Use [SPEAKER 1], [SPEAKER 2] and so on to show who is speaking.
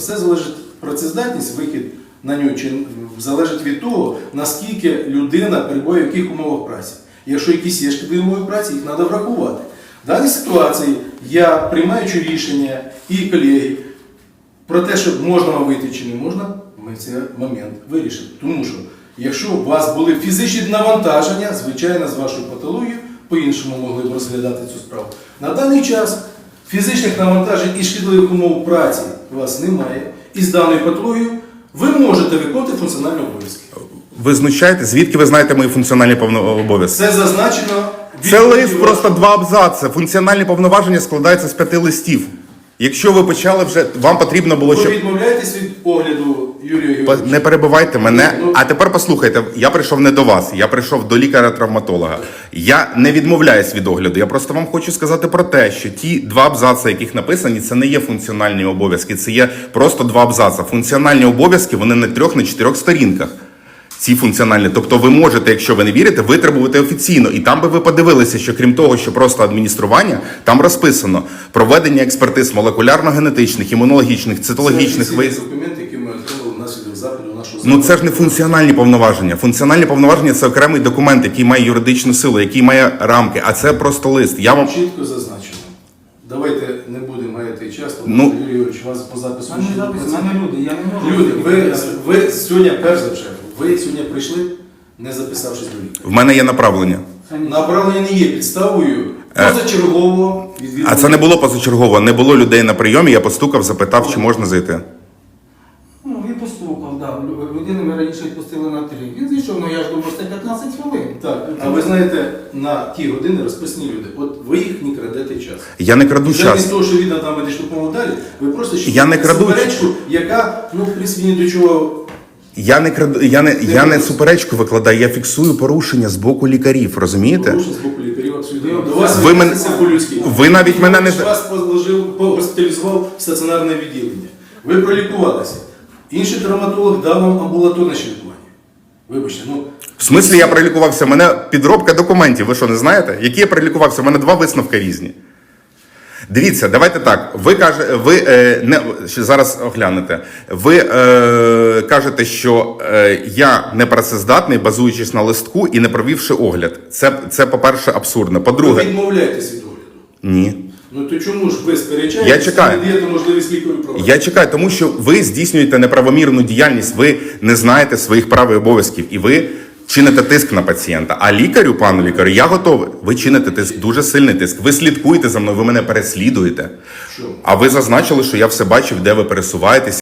[SPEAKER 1] Все залежить, працездатність, вихід на нього залежить від того, наскільки людина перебуває в яких умовах праці. Якщо якісь є шкідливі умови праці, їх треба врахувати. В даній ситуації я, приймаючи рішення і колеги про те, що можна вам вийти чи не можна, ми цей момент вирішили. Тому що, якщо у вас були фізичні навантаження, звичайно, з вашою патологією, по-іншому могли б розглядати цю справу. На даний час фізичних навантажень і шкідливих умов праці у вас немає. І з даною патологією ви можете виконувати функціональні обов'язки.
[SPEAKER 2] Ви знущаєте? Звідки ви знаєте мої функціональні обов'язки?
[SPEAKER 1] Це зазначено...
[SPEAKER 2] Це лист просто 2 абзаци. Функціональні повноваження складаються з 5 листів. Якщо ви почали вже, вам потрібно було,
[SPEAKER 1] Ви
[SPEAKER 2] щоб...
[SPEAKER 1] відмовляєтесь від огляду Юрія Георгійовича?
[SPEAKER 2] Не перебивайте мене. А тепер послухайте, я прийшов не до вас, я прийшов до лікаря-травматолога. Я не відмовляюсь від огляду, я просто вам хочу сказати про те, що ті 2 абзаци, яких написані, це не є функціональні обов'язки, це є просто 2 абзаци. Функціональні обов'язки, вони на 3, на 4 сторінках. Ці функціональні. Тобто ви можете, якщо ви не вірите, витребувати офіційно. І там би ви подивилися, що крім того, що просто адміністрування, там розписано проведення експертиз молекулярно-генетичних, імунологічних, цитологічних.
[SPEAKER 1] Це документи, які ми отримали внаслідок заходу нашого...
[SPEAKER 2] Ну це ж не функціональні повноваження. Функціональні повноваження – це окремий документ, який має юридичну силу, який має рамки, а це просто лист. Я вам...
[SPEAKER 1] Чітко зазначено. Давайте не будемо гаяти час, тому
[SPEAKER 2] Ну,
[SPEAKER 1] Юрій Георгійович, вас по запису...
[SPEAKER 3] люди, я не можу...
[SPEAKER 1] Люди, ви сьогодні, перш за все, ви сьогодні прийшли, не записавшись до лікаря.
[SPEAKER 2] в мене є направлення.
[SPEAKER 1] Направлення не є підставою позачергового відвідування.
[SPEAKER 2] А це не було позачергово, не було людей на прийомі, я постукав, запитав, чи можна зайти.
[SPEAKER 3] Ну, він постукав, да. Людину ми раніше відпустили на 3. Він зійшов, ну я ж думав, це 15 хвилин.
[SPEAKER 1] Так, а ви знаєте, на ті години розписані люди. От ви їх не крадете час.
[SPEAKER 2] Я не краду час.
[SPEAKER 1] Замість того, що він там медичну допомогу далі, ви просто
[SPEAKER 2] Я не краду
[SPEAKER 1] суперечку, яка, ну, в принципі, ні до чого...
[SPEAKER 2] Я не краду, я не суперечку викладаю, я фіксую порушення з боку лікарів, розумієте?
[SPEAKER 1] Порушень з боку лікарів абсолютно. До вас
[SPEAKER 2] Ви мене-
[SPEAKER 1] відноситься по-людськи.
[SPEAKER 2] ви навіть мене не-
[SPEAKER 1] Вас госпіталізував в стаціонарне відділення. Ви пролікувалися. Інший травматолог дав вам амбулаторне ще лікування. Вибачте, ну...
[SPEAKER 2] В смислі я пролікувався? У мене підробка документів, ви що, не знаєте? Які я пролікувався? У мене 2 висновки різні. Дивіться, давайте так. Ще зараз оглянете. Ви кажете, що я не працездатний, базуючись на листку і не провівши огляд. Це по-перше, абсурдно.
[SPEAKER 1] Ви
[SPEAKER 2] По-друге,
[SPEAKER 1] відмовляєтесь від огляду.
[SPEAKER 2] ні.
[SPEAKER 1] Ну то чому ж ви сперечаєтесь?
[SPEAKER 2] Я чекаю.
[SPEAKER 1] Не даєте можливість лікарю провести?
[SPEAKER 2] Я чекаю, тому що ви здійснюєте неправомірну діяльність, ви не знаєте своїх прав і обов'язків, і ви чините тиск на пацієнта. А лікарю, пану лікарю, я готовий. Ви чините тиск, дуже сильний тиск. Ви слідкуєте за мною, ви мене переслідуєте.
[SPEAKER 1] Що?
[SPEAKER 2] А ви зазначили, що я все бачив, де ви пересуваєтесь.